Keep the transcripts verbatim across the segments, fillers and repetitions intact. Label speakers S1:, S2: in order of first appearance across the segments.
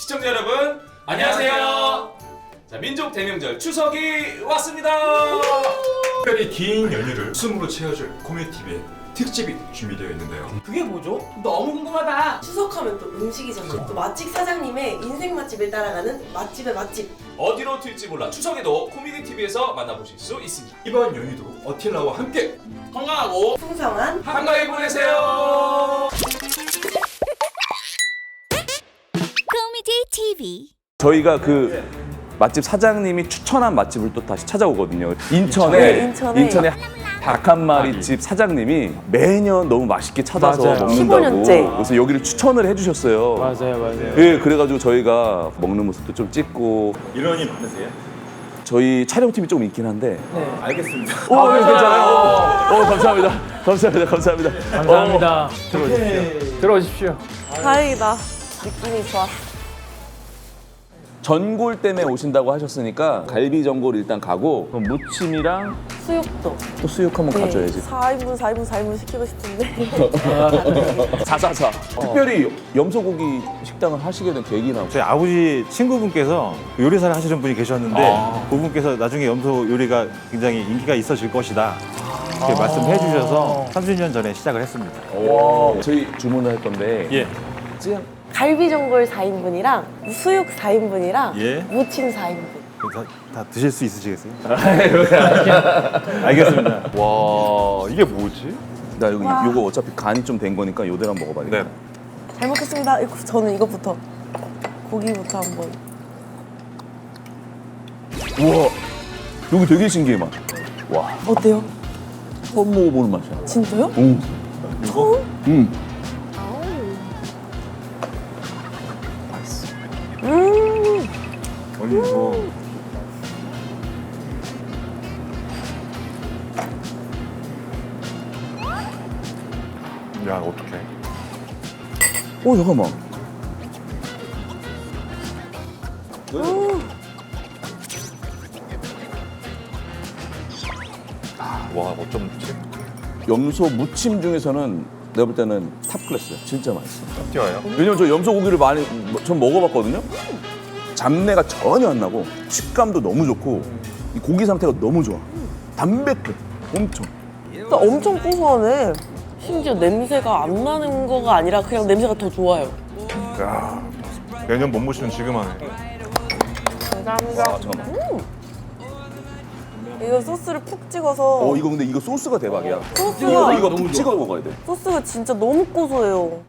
S1: 시청자 여러분 안녕하세요. 자, 민족 대명절 추석이 왔습니다.
S2: 특별히 긴 연휴를 웃음으로 채워줄 코미디티비의 특집이 준비되어 있는데요.
S3: 그게 뭐죠? 너무 궁금하다.
S4: 추석하면 또 음식이잖아요. 또 맛집 사장님의 인생 맛집을 따라가는 맛집의 맛집.
S1: 어디로 튈지 몰라 추석에도 코미디 티비에서 만나보실 수 있습니다.
S2: 이번 연휴도 어틸라와 함께
S1: 건강하고
S4: 풍성한
S1: 한가위 보내세요.
S5: 코미디 티비.
S6: 저희가 그 맛집 사장님이 추천한 맛집을 또 다시 찾아오거든요. 인천에
S4: 네, 인천에.
S6: 인천에 닭 한 마리 집 사장님이 매년 너무 맛있게 찾아서
S7: 맞아요.
S6: 먹는다고.
S4: 십오 년째.
S6: 그래서 여기를 추천을 해주셨어요.
S7: 맞아요, 맞아요.
S6: 예, 그래가지고 저희가 먹는 모습도 좀 찍고.
S2: 인원이 많으세요?
S6: 저희 촬영팀이 조금 있긴 한데.
S2: 알겠습니다.
S6: 오, 네, 괜찮아요. 오, 오, 감사합니다. 감사합니다. 감사합니다.
S7: 감사합니다. 들어오십시오. 들어오십시오.
S4: 다행이다. 느낌이 좋았어.
S6: 전골 때문에 오신다고 하셨으니까 갈비 전골 일단 가고 그럼 무침이랑
S4: 수육도.
S6: 또 수육 한번 가져야지.
S4: 사 인분, 사 인분, 사 인분 시키고 싶은데.
S6: 사사사. 특별히 염소고기 식당을 하시게 된 계기나.
S8: 저희 아버지 친구분께서 요리사를 하시는 분이 계셨는데
S6: 아.
S8: 그분께서 나중에 염소 요리가 굉장히 인기가 있어질 것이다 이렇게 말씀해 주셔서 삼십 년 전에 시작을 했습니다.
S6: 저희 주문을 할 건데.
S8: 예.
S6: 찌양.
S4: 갈비 전골 사 인분이랑 수육 사 인분이랑
S8: 예.
S4: 무침 사 인분.
S8: 다, 다 드실 수 있으시겠어요? 알겠습니다.
S2: 와, 이게 뭐지?
S6: 나 여기 요거 어차피 간이 좀 된 거니까 요대로 한번 먹어봐야겠다.
S2: 네.
S4: 잘 먹겠습니다. 이거- 저는 이거부터. 고기부터 한번.
S6: 우와. 여기 되게 신기해 맛. 와.
S4: 어때요?
S6: 처음 먹어보는 맛이야.
S4: 진짜요?
S6: 응.
S4: 처음?
S6: 응.
S4: 음.
S8: 아니 뭐
S2: 야, 어떡해.
S6: 오 잠깐만.
S2: 와, 어쩜 좋지?
S6: 염소 무침 중에서는 내가 볼 때는 탑 클래스야. 진짜 맛있어.
S2: 뛰어요?
S6: 왜냐면 저 염소 고기를 많이 전 먹어봤거든요. 잡내가 전혀 안 나고 식감도 너무 좋고 이 고기 상태가 너무 좋아. 담백해. 엄청.
S4: 나 엄청 고소하네. 심지어 냄새가 안 나는 거가 아니라 그냥 냄새가 더 좋아요.
S2: 야, 내년 못 모시는 지금 하네.
S4: 감사합니다.
S6: 아 잠깐만.
S4: 이거 소스를 푹 찍어서
S6: 어 이거 근데 이거 소스가 대박이야.
S4: 소스가
S6: 이거 이거 푹 찍어 먹어야 돼.
S4: 소스가 진짜 너무 고소해요.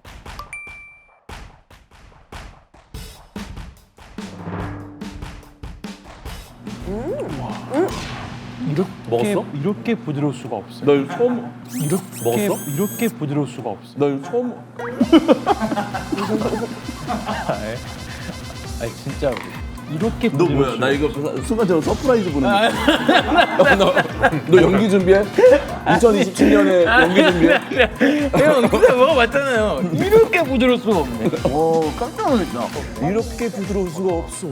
S7: 이렇게
S6: 먹었어?
S7: 이렇게 부드러울 수가 없어요.
S6: 널 처음
S7: 이렇게
S6: 먹었어?
S7: 이렇게 부드러울 수가 없어요.
S6: 널 처음
S7: 아니 진짜로 이렇게
S6: 너
S7: 부드러울
S6: 뭐야?
S7: 수가
S6: 나 이거 순간적으로 서프라이즈 보는 느낌. 너, 너 연기 준비해? 이천이십칠 년에 연기 준비해?
S7: 형 그때 먹어봤잖아요. 이렇게 부드러울 수가 없네.
S6: 오 깜짝 놀랐다. 이렇게 부드러울 수가 없어.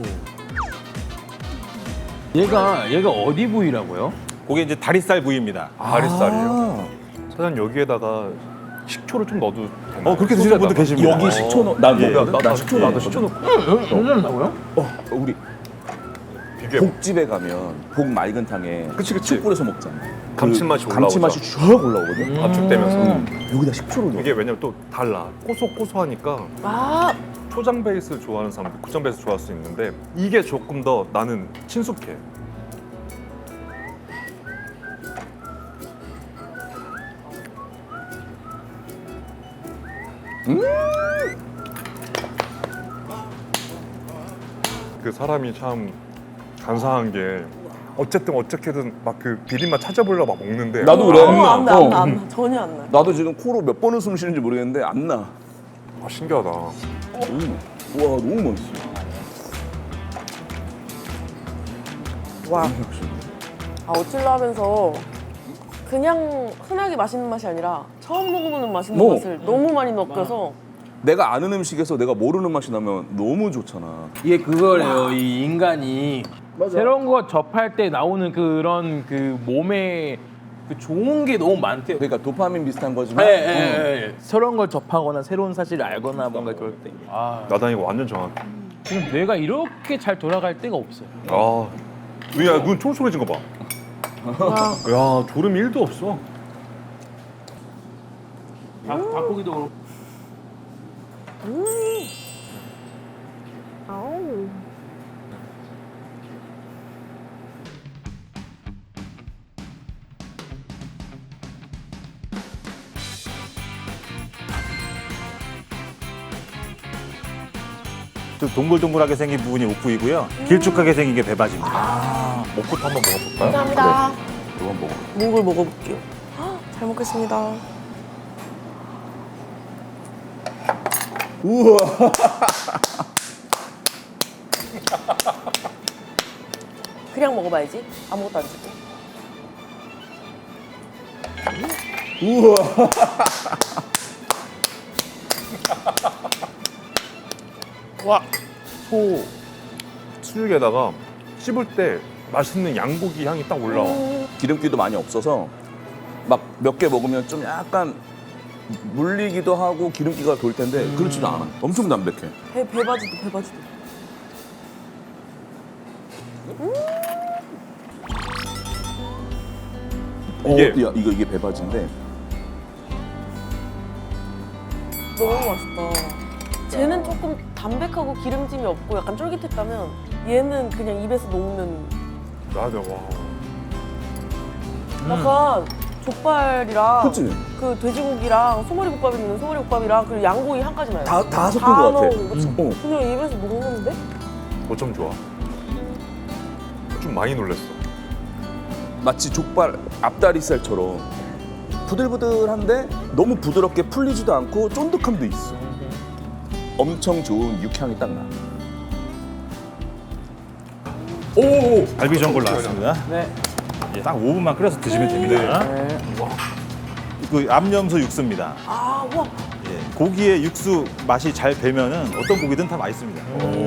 S7: 얘가 얘가 어디 부위라고요?
S8: 그게 이제 다리살 부위입니다.
S2: 다리살이요. 사장님, 여기에다가 식초를 좀 넣어도 되나요?
S8: 어 그렇게 드시는 분도 계십니다.
S6: 여기 식초 넣. 난
S8: 예.
S6: 먹어. 나 식초
S2: 나도
S6: 나도
S2: 식초
S6: 식초 넣고.
S7: 괜찮다고요?
S6: 어 우리
S2: 비계
S6: 복집에 가면 복 맑은 탕에
S2: 그치, 그치.
S6: 식초 뿌려서 먹잖아.
S2: 감칠맛이
S6: 그 감칠맛이 쫙 올라오거든.
S2: 압축되면서.
S6: 음. 여기다 식초를 넣어.
S2: 이게 왜냐면 또 달라. 고소고소하니까
S4: 아,
S2: 초장 베이스 좋아하는 사람들 고장 베이스 좋아할 수 있는데 이게 조금 더 나는 친숙해. 그 사람이 참 간사한 게 어쨌든 어떻게든 막 그 비린맛 찾아보려고 막 먹는데
S6: 나도 그래.
S4: 어, 안 나, 안
S6: 어.
S4: 나, 안 나. 전혀 안 나.
S6: 나도 지금 코로 몇 번을 숨 쉬는지 모르겠는데 안 나.
S2: 아, 신기하다.
S6: 너무 맛- 와 너무 맛있어.
S4: 와. 아, 어찔러 하면서 그냥 흔하게 맛있는 맛이 아니라 처음 먹어보는 맛있는
S6: 뭐.
S4: 맛을 너무 많이 느껴서
S6: 내가 아는 음식에서 내가 모르는 맛이 나면 너무 좋잖아.
S7: 이게 그거래요. 이 인간이 새로운 거 접할 때 나오는 그런 그 몸에 그 좋은 게 너무 많대요.
S6: 그러니까 도파민 비슷한 거지만.
S7: 예, 예, 예. 새로운 걸 접하거나 새로운 사실을 알거나 뭔가 그럴 때. 아,
S2: 나단 이거 완전 정확해.
S7: 지금 뇌가 이렇게 잘 돌아갈 때가 없어요.
S2: 아, 야, 눈 촌촌해진 거 봐. 야, 졸음이 일도 없어.
S7: 닭, 닭고기도 그렇고.
S8: 좀 동글동글하게 생긴 부분이 옥부이고요. 길쭉하게 생긴 게 배바지입니다.
S2: 먹고 한번 먹어볼까요?
S4: 감사합니다.
S6: 이건 먹어.
S4: 목을 먹어볼게요. 헉, 잘 먹겠습니다.
S6: 우와.
S4: 그냥 먹어봐야지. 아무것도 안 줄게.
S6: 우와.
S2: 와, 소 수육에다가 씹을 때 맛있는 양고기 향이 딱 올라와.
S6: 기름기도 많이 없어서 막 몇 개 먹으면 좀 약간 물리기도 하고 기름기가 돌 텐데 그렇지도 않아. 엄청 담백해.
S4: 배, 배바지도 배바지도.
S2: 이게-
S6: 어, 야, 이거 이게 배바지인데
S4: 너무 맛있다. 쟤는 조금 담백하고 기름짐이 없고 약간 쫄깃했다면 얘는 그냥 입에서 녹는
S2: 맞아, 와.
S4: 약간 족발이랑
S6: 그치?
S4: 그 돼지고기랑 소머리국밥이 있는 소머리국밥이랑 그리고 양고기 한 가지 나요.
S6: 다, 다 섞은
S4: 다
S6: 것 같아.
S4: 넣은 거지.
S6: 어.
S4: 그냥 입에서 녹는데?
S2: 어쩜 좋아. 좀 많이 놀랬어.
S6: 마치 족발 앞다리살처럼 부들부들한데 너무 부드럽게 풀리지도 않고 쫀득함도 있어. 엄청 좋은 육향이 딱 나.
S2: 오!
S8: 갈비 전골 나왔습니다.
S7: 네.
S8: 이제 딱 오 분만 끓여서 드시면 됩니다. 그 암염소 육수입니다.
S4: 아, 와.
S8: 예, 고기의 육수 맛이 잘 배면은 어떤 고기든 다 맛있습니다.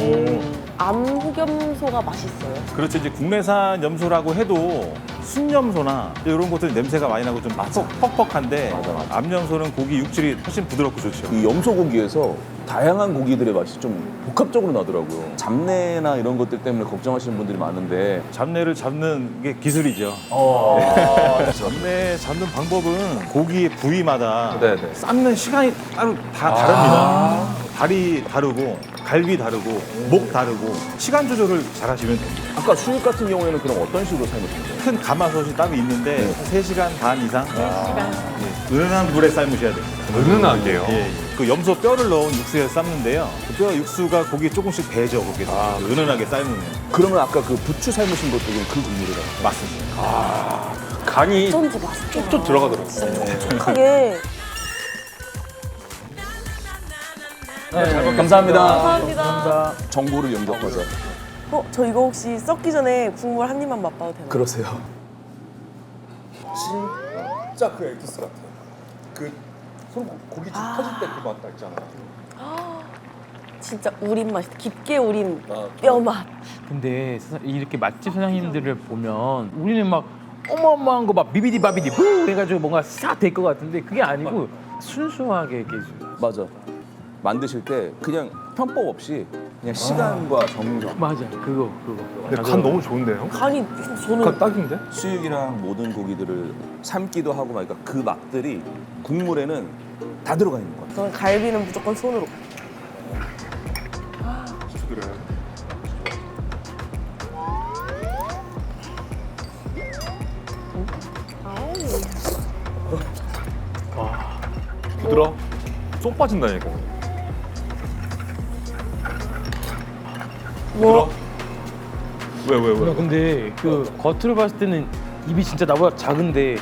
S4: 암흑염소가 맛있어요.
S8: 그렇죠. 이제 국내산 염소라고 해도 순염소나 이런 것들은 냄새가 많이 나고 좀 퍽, 퍽퍽한데
S6: 맞아, 맞아.
S8: 암염소는 고기 육질이 훨씬 부드럽고 좋죠.
S6: 이 염소고기에서 다양한 고기들의 맛이 좀 복합적으로 나더라고요. 잡내나 이런 것들 때문에 걱정하시는 분들이 많은데
S8: 잡내를 잡는 게 기술이죠.
S6: 어,
S8: 잡내 잡는 방법은 고기의 부위마다
S2: 네네.
S8: 삶는 시간이 따로 다 다릅니다. 다리 다르고 갈비 다르고 목 다르고 시간 조절을 잘 하시면 됩니다.
S6: 아까 수육 같은 경우에는 그럼 어떤 식으로 삶으신 거예요?
S8: 큰 가마솥이 따로 있는데
S6: 네.
S8: 세 시간 반 이상 예, 은은한 불에 삶으셔야 됩니다.
S2: 은은하게요.
S8: 예, 예. 그 염소 뼈를 넣은 육수에 삶는데요. 그 뼈 육수가 고기에 조금씩 배죠. 그게
S2: 아,
S8: 은은하게 삶으면
S6: 그러면 아까 그 부추 삶으신 것도 그럼 그 국물이라고?
S8: 맞습니다.
S2: 간이
S4: 어쩐지 맛있더라.
S2: 쭉 들어가더라고.
S4: 촉촉하게.
S6: 감사합니다.
S4: 감사합니다.
S6: 정보를 영접하자.
S4: 어, 저 이거 혹시 썩기 전에 국물 한 입만 맛봐도 되나요?
S6: 그러세요.
S2: 진짜 그 에기스 같아. 그 손, 고기 집 터질 때 그 맛 있잖아.
S4: 진짜 우린 맛이다. 깊게 우린
S2: 아,
S4: 뼈 맛.
S7: 근데 사- 이렇게 맛집 사장님들을 보면 우리는 막 어마어마한 거 막 비비디 바비디 부 해가지고 뭔가 싹 될 것 같은데 그게 아니고 순수하게 이렇게
S6: 맞아. 만드실 때 그냥 편법 없이 그냥 시간과 정성.
S7: 맞아 그거 그거.
S2: 근데 간 너무 좋은데요?
S4: 간이 저는
S2: 간 딱인데?
S6: 수육이랑 모든 고기들을 삶기도 하고 막 그러니까 그 맛들이 국물에는 다 들어가 있는 거야.
S4: 저는 갈비는 무조건 손으로.
S2: 그래. 부드러? 쏙 빠진다니까. 부드러? 왜, 왜, 왜?
S7: 근데 그 겉으로 봤을 때는 입이 진짜 나보다 작은데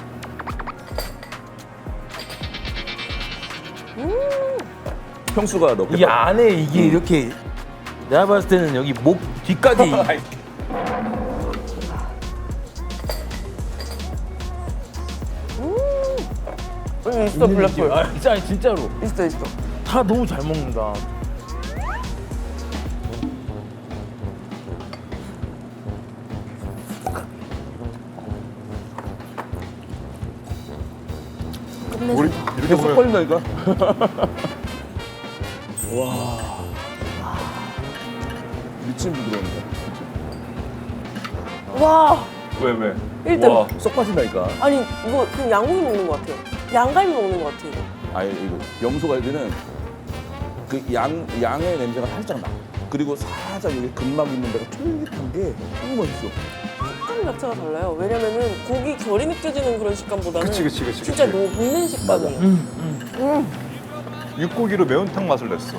S6: 평수가 몇
S7: 이
S6: 개?
S7: 안에 이게 이렇게 내가 봤을 때는 여기 목 뒤까지
S4: 여기 있어, 블랙홀.
S7: 아, 진짜 아니, 진짜로
S4: 있어, 있어.
S7: 다 너무 잘 먹는다.
S2: 우리 이렇게
S6: 계속
S2: 보면
S6: 걸린다니까? 미친 부드러운데.
S4: 와
S2: 왜 왜?
S4: 일 등.
S6: 와, 쏙 빠진다니까.
S4: 아니 이거 그냥 양고기 먹는 것 같아요. 양갈비 먹는 것 같아요. 이거.
S6: 아니 이거 염소갈비는 그 양 양의 냄새가 살짝 나. 그리고 살짝 여기 근막 있는 데가 쫄깃한 게 너무 맛있어.
S4: 식감 자체가 달라요. 왜냐면은 고기 결이 느껴지는 그런 식감보다는
S2: 그치, 그치, 그치,
S4: 진짜
S2: 그치.
S4: 녹는 식감이에요.
S2: 육고기로 매운탕 맛을 냈어.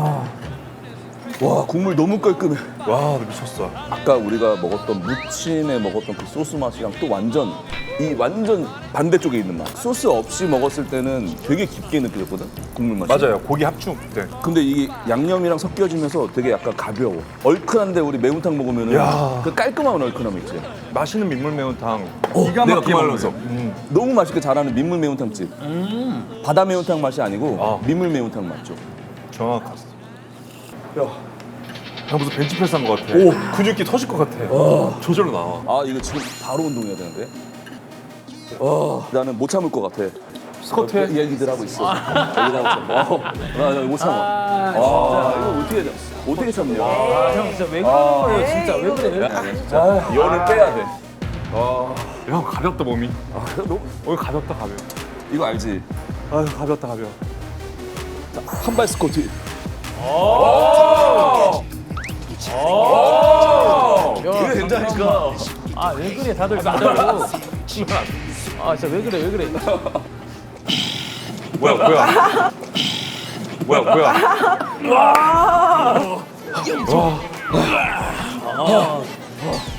S6: 와 국물 너무 깔끔해.
S2: 와, 나 미쳤어.
S6: 아까 우리가 먹었던 무침에 먹었던 그 소스 맛이랑 또 완전 이 완전 반대쪽에 있는 맛. 소스 없이 먹었을 때는 되게 깊게 느껴졌거든 국물 맛이.
S2: 맞아요. 고기 합충 때.
S6: 근데 이게 양념이랑 섞여지면서 되게 약간 가벼워. 얼큰한데 우리 매운탕 먹으면은
S2: 야.
S6: 그 깔끔한 얼큰함 있지.
S2: 맛있는 민물 매운탕.
S6: 어,
S2: 기가
S6: 내가
S2: 막히게
S6: 그 말로
S2: 먹으면서.
S6: 해. 너무 맛있게 잘하는 민물 매운탕집. 바다 매운탕 맛이 아니고
S2: 아.
S6: 민물 매운탕 맛죠.
S2: 정확했어. 야, 나 무슨 벤치프레스 한 것 같아.
S6: 오.
S2: 근육기 터질 것 같아. 조절로 나와.
S6: 아 이거 지금 바로 운동해야 되는데. 어, 나는 못 참을 것 같아.
S2: 스쿼트 해?
S6: 얘기들 하고 있어. 얘기들 하고 있어. 어, 나, 나 못 참아.
S7: 아,
S6: 아, 이거 어떻게 참- 어떻게 참냐?
S7: 아, 형 진짜 왜 그러는 거예요? 진짜 왜 그래?
S6: 아, 열을 빼야 돼.
S2: 야, 가볍다 몸이.
S6: 아, 너
S2: 오늘 가볍다 가벼워.
S6: 이거 알지?
S2: 아유, 가볍다 가벼워.
S6: 한발 스쿼트.
S7: 이거
S6: 된다니까.
S7: 아, 왜 그래? 다들 진짜로. 아, 진짜 왜 그래? 왜 그래?
S2: 뭐야 뭐야. 뭐야 뭐야.
S7: 아,